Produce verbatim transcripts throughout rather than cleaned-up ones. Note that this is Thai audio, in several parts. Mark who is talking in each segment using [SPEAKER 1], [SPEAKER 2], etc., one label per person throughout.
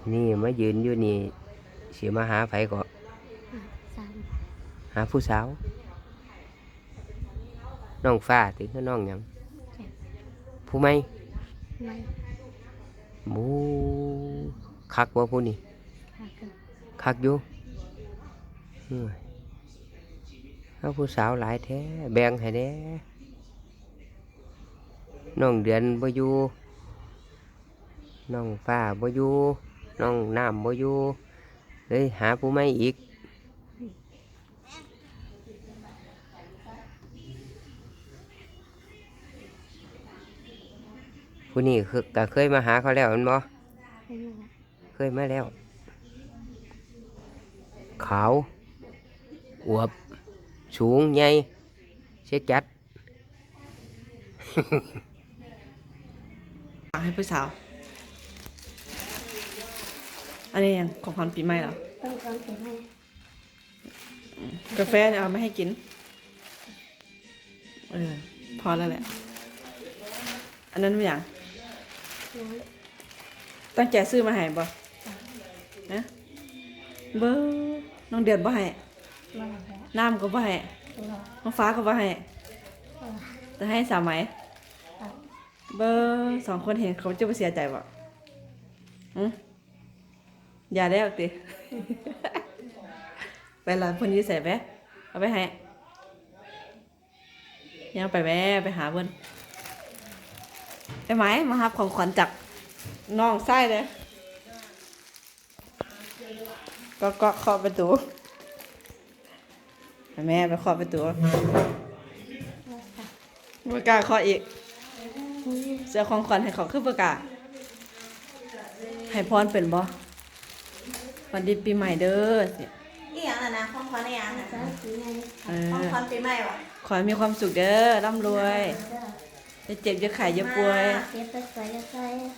[SPEAKER 1] นี่มายืนอยู่นี่สิมาหาไผก็หาผู้สาวน้องฟ้าถึงคือน้องหยังผู้ไม่หมูคักบ่ผู้นี่คักอยู่เอาผู้สาวหลายแท้แบ่งให้แน่น้องเดือนบ่อยู่น้องฟ้าบ่อยู่น้องน้ำบ่อยู่เลยหาผู้ไม่อีกผู้นี้คือก็เคยมาหาเขาแล้วแม่นบ่เคยมาแล้วขาวอวบสูงใหญ่เสียจัด
[SPEAKER 2] ให้ผู้สาวอันนี้ยังของขวัญปีใหม่เหรอ
[SPEAKER 3] ต้องการเป็นให้
[SPEAKER 2] กาแฟเนี่ยเอาไม่ให้กินเออพอแล้วแหละอันนั้นไม่อย่าง
[SPEAKER 3] น้อย
[SPEAKER 2] ตั้งใจซื้อมาให้บ่นะเบอร์น้องเดือนบ่ให้
[SPEAKER 3] มาแล้ว
[SPEAKER 2] น้ำก็บ่ให้
[SPEAKER 3] รอ
[SPEAKER 2] น้องฟ้าก็บ่ให้
[SPEAKER 3] รอ
[SPEAKER 2] จะให้สาวไหม
[SPEAKER 3] ครับ
[SPEAKER 2] เบอร์สองคนเห็นเขาจะไปเสียใจบ่อืมอย่าได้ออกติ ไปละเพิ่นอยื้ใส่แบ๊เอาไปให้ยังไปแบ๊ไปหาเพิ่นไอ้ไหมมารับของขวัญจากน้องไส้เลยก็ก็เคาะประตูแม่ไปเคาะประตูไม่กล้าเคาะอีกเสียของขวัญให้เขาคือประกาศให้พรเป็นบ่วันดีปีใหม่เด้อสิ
[SPEAKER 4] อีหยังน่ะนะของขวัญอีหยังน่ะ
[SPEAKER 3] จ้าสีไง
[SPEAKER 2] เอ
[SPEAKER 4] ของ
[SPEAKER 2] อ
[SPEAKER 4] ขวัญปีใหม่วะ
[SPEAKER 2] ขอให้มีความสุขเด้อร่ำรวยจะเจ็บจะไข้จะป่วย
[SPEAKER 3] เก็บไปใส่ใส่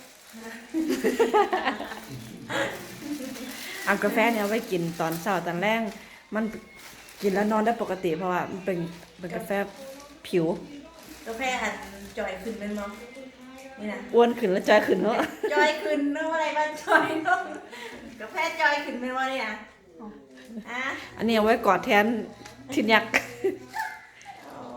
[SPEAKER 2] เอากาแฟเนี่ยเอาไว้กินตอนเช้าตอนแรกมันกินแล้วนอนได้ปกติเพราะว่ามันเป็นเป็นกาแฟผิว
[SPEAKER 4] กาแฟหันจอยขึ้นเป็นมั้งนี่นะ
[SPEAKER 2] อ้วนขึ้นแล้วจอยขึ้นเนาะ
[SPEAKER 4] จอยขึ้นเนาะอะไรบ้างจอยเนาะกาแฟจอยขึ้นเป็นว่านี่นะอ่ะ
[SPEAKER 2] อันนี้เอาไว้กอดแทนทินยักษ์
[SPEAKER 4] โอ้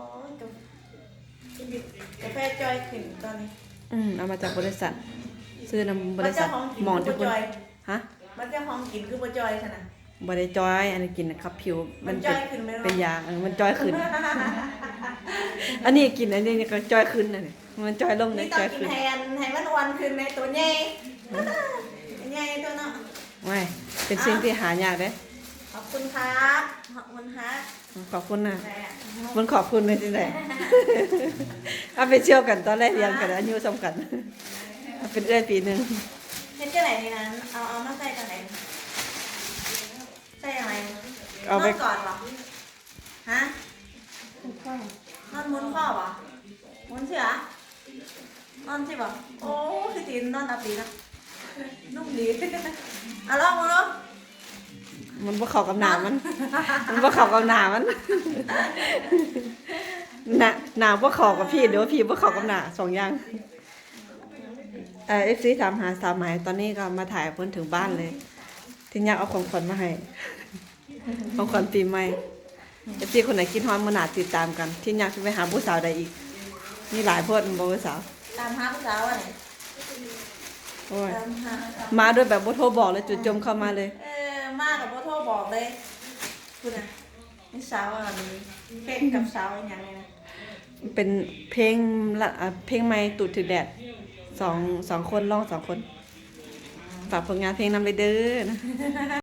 [SPEAKER 4] กาแฟจอยขึ้นตอนนี้
[SPEAKER 2] อืมเอามาจากบริษัท ซื้อนำบ
[SPEAKER 4] มัน
[SPEAKER 2] ริษั
[SPEAKER 4] เจ้า
[SPEAKER 2] ท
[SPEAKER 4] ของกิน
[SPEAKER 2] หมอน
[SPEAKER 4] คื
[SPEAKER 2] ทุ
[SPEAKER 4] อก
[SPEAKER 2] คน
[SPEAKER 4] จอย
[SPEAKER 2] ฮะ
[SPEAKER 4] มันเจ้าของกินคือบ่จอยขนาด
[SPEAKER 2] บริจอย อันนี้กินนะครับผิว
[SPEAKER 4] มัน
[SPEAKER 2] เป็
[SPEAKER 4] จอยขึ้นไหมวะ
[SPEAKER 2] เป็นยาเออมันจอยขึ้น อันนี้กินอันนี้ก็จอยขึ้นนะนี่มันจอยลง
[SPEAKER 4] นี่
[SPEAKER 2] นะ
[SPEAKER 4] ต้อ
[SPEAKER 2] จอง ย
[SPEAKER 4] กิน
[SPEAKER 2] ขึ้น
[SPEAKER 4] แทนให้มันอ้วนขึ้นในตัวใหญ่ใหญ่ตัวเนาะ
[SPEAKER 2] ไม่เป็นสิ่งที่หายากเด้
[SPEAKER 4] ขอบคุณครับขอบคุณครับ
[SPEAKER 2] ขอบคุณนะ
[SPEAKER 4] แต่
[SPEAKER 2] มันขอบคุณเลยที่ไหน เอาไปเชี่ยวกันตอนแรกเรียนกันอายุซ้ำกันเอาเป็นเอื้อยปีหนึ่ง
[SPEAKER 4] เฮ็ดจังไหนนี่นั้นเอาเอามาใส่จังไหนใส่อะไร
[SPEAKER 2] เอาไป
[SPEAKER 4] นอนก่อนเหรอฮะ
[SPEAKER 3] เป็นก้อน
[SPEAKER 4] นอนมุนข้อเหรอมุนเสือนอนใช่ป่ะโอ้คือตีนนอนตาปีนะนุ่มดีเอาลองมาลอง
[SPEAKER 2] มันบ่เข้ากับหนามัน มันบ่เข้ากับหนามัน หนาหนาบ่เข้ากับพี่เดี๋ยวพี่บ่เข้ากับหนาสองอย่างเอ่อ เอฟ ซี ถามหาสาวไหมตอนนี้ก็มาถ่ายเพิ่นถึงบ้านเลยที่อยากเอาของขวัญมาให้ ของขวัญปีใหม่ เอฟ ซี คนไหนคิดฮอดมื้อหน้าติดตามกัน ที่อยากสิไปหาผู้สาวใดอีกมีหลายโพดบ่ผู้สาว
[SPEAKER 4] ตามหาผู้สาวอ่ะเนี่ย
[SPEAKER 2] โอ้ย
[SPEAKER 4] ตามหา
[SPEAKER 2] มาด้วยแบบบ่โทรบอกเลยจุดจมเข้ามาเลย
[SPEAKER 4] เออมากับพ่อโทรบอกเลยคุณอ่ะนี่สาวอ่ะมีเพ่งกับสาวอย่างไรนะ
[SPEAKER 2] เป็นเพลงละอ่ะเพลงใหม่ตูดถึกแดดสองสองคนร้องสองคน ฝากผลงานเพลงนำเลยเด้อนะ